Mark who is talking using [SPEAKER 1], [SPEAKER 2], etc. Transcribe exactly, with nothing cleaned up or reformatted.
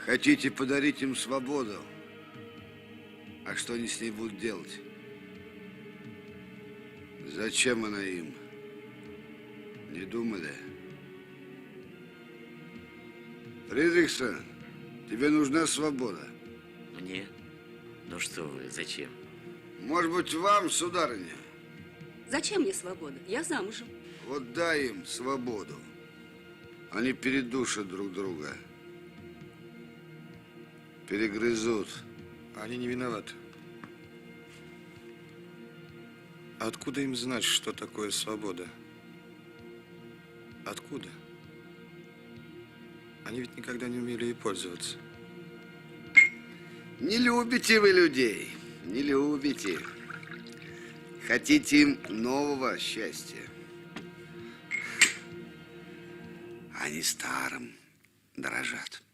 [SPEAKER 1] Хотите подарить им свободу? А что они с ней будут делать? Зачем она им? Не думали? Фридрихсон, тебе нужна свобода?
[SPEAKER 2] Мне? Ну что вы, зачем?
[SPEAKER 1] Может быть, вам, сударыня?
[SPEAKER 3] Зачем мне свобода? Я замужем.
[SPEAKER 1] Вот дай им свободу. Они передушат друг друга. Перегрызут.
[SPEAKER 4] Они не виноваты. Откуда им знать, что такое свобода? Откуда? Они ведь никогда не умели ей пользоваться.
[SPEAKER 1] Не любите вы людей. Не любите. Хотите им нового счастья. Они старым дорожат.